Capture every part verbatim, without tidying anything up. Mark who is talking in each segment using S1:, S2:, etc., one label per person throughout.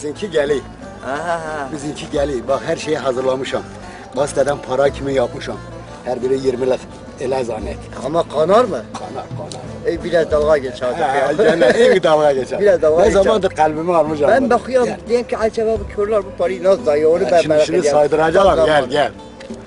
S1: Bizimki geliyor.
S2: Aha.
S1: Bizimki geliyor. Bak her şeyi hazırlamışım. Gazeteden para kimi yapmışım. Her biri yirmilik. Ele zannet.
S2: Ama kanar mı?
S1: Kanar kanar.
S2: E, biraz dalga geç artık ya.
S1: Gene iyi bir dalga geçer.
S2: Biraz dalga
S1: Ne
S2: geçer.
S1: zamandır kalbimi almışım.
S2: Ben bakıyorum, diyeyim ki acaba bu körler bu parayı nasıl dayıyor onu ben
S1: Şimdi
S2: merak
S1: şunu
S2: ediyorum.
S1: saydıracaklar. Gel
S2: Tamam.
S1: gel.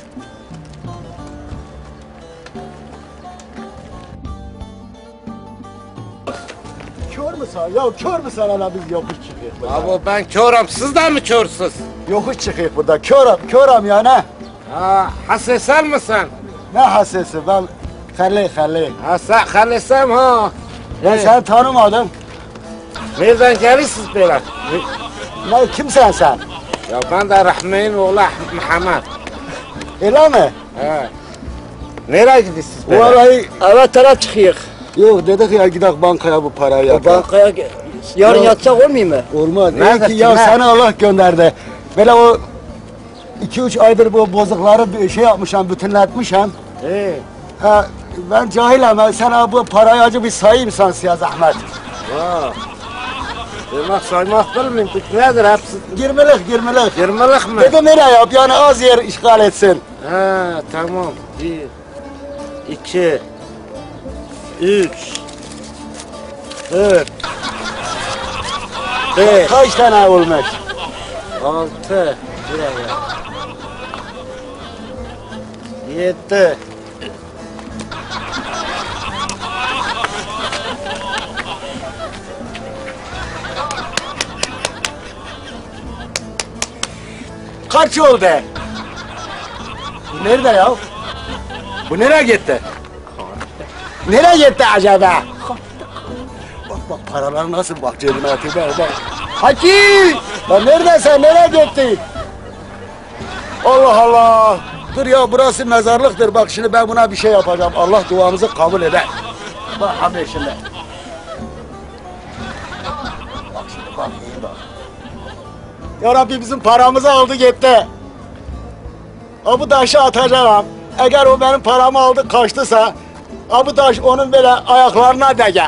S1: Kör müsün? Ya kör müsün hala biz yokuş çıkıyoruz burada.
S3: Abi ben körüm, siz de mi körsüz?
S1: Yokuş çıkıyoruz burada. Körüm, körüm ya ne?
S3: Ha, hasesel misin?
S1: Ne hassesi ben Halil Halil.
S3: Ha, sen halesem ha.
S1: Ben
S3: He.
S1: seni tanımadım.
S3: Nereden gelirsiniz böyle?
S1: Ne kimsen sen?
S3: Ya ben de Rahmi'nin oğlu Muhammed.
S1: Öyle mi?
S3: He. Nereye gidiyorsunuz böyle?
S1: Vallahi
S2: Evet taraf çıkıyor.
S1: yok dedik ya gidelim bankaya bu parayı
S2: O
S1: yakalım.
S2: bankaya yarın
S1: Ya-
S2: yatsak olmuyor mu?
S1: Olmaz. İyi
S3: Nerede,
S1: ki ya
S3: kime?
S1: sana Allah gönderdi. Böyle o iki üç aydır bu bozukları bir şey yapmışım, bütünletmişim.
S3: He.
S1: Ha, ben cahilim. Ben sana bu parayı acı bir sayayım sen siya zahmet.
S3: Ha. Demek saymak bilmiyorum. Nedir hepsi?
S1: Yirmilik, yirmilik.
S3: Yirmilik mi?
S1: Dedim nereye yap yani az yer işgal etsin.
S3: Ha, tamam. Bir, iki, üç, dört, beş,
S1: Kaç tane olmuş?
S3: altı, buraya. Yedi.
S1: Kaç oldu? Bu nerede ya? Bu nereye gitti? Nereye gitti acaba? Bak bak paralar nasıl bak cebine atıyor bak bak. Haki! Lan neredesin? Nereye gitti? Allah Allah! Dur ya burası mezarlıktır. Bak şimdi ben buna bir şey yapacağım. Allah duamızı kabul eder. Bak abi şimdi. Bak şimdi bak iyi bak. Ya Rabbi bizim paramızı aldı gitti. O bu taşı atacağım. Eğer o benim paramı aldı kaçtısa, o bu taş onun böyle ayaklarına değe.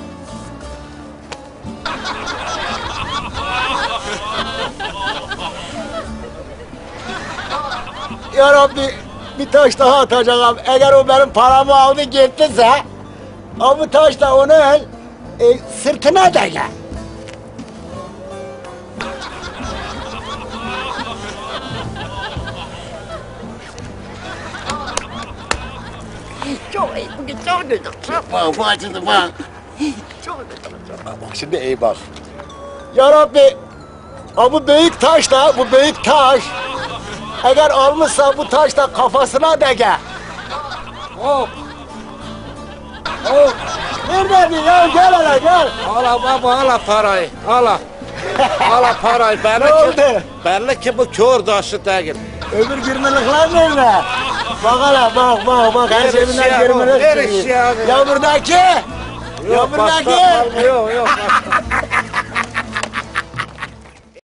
S1: Ya Rabbi bir taş daha atacağım. Eğer o benim paramı aldı gittiyse, o bu taş da onun e, sırtına değe.
S2: Çok iyi, bugün çok güzel.
S1: Bak bak şimdi bak. Bak şimdi iyi bak. Ya Rabbi, ha bu büyük taş da, bu büyük taş. Eğer almışsa bu taş da kafasına dege. Hop. Hop. Neredeydin ya? Gel hele gel.
S3: Ala baba ala parayı. Ala. Ala parayı. Belli
S1: Ne
S3: ki,
S1: oldu?
S3: belli ki bu kör taşı değil.
S1: Öbür girmelikler nerede? Bak hele bak bak bak her
S3: Neresi
S1: cebinden
S3: ya bu?
S1: girmelik
S3: Neresi
S1: çıkıyor.
S3: ya bu?
S1: Ya buradaki. Ya
S3: Yok,
S1: buradaki.
S3: başka- Yok yok. başka.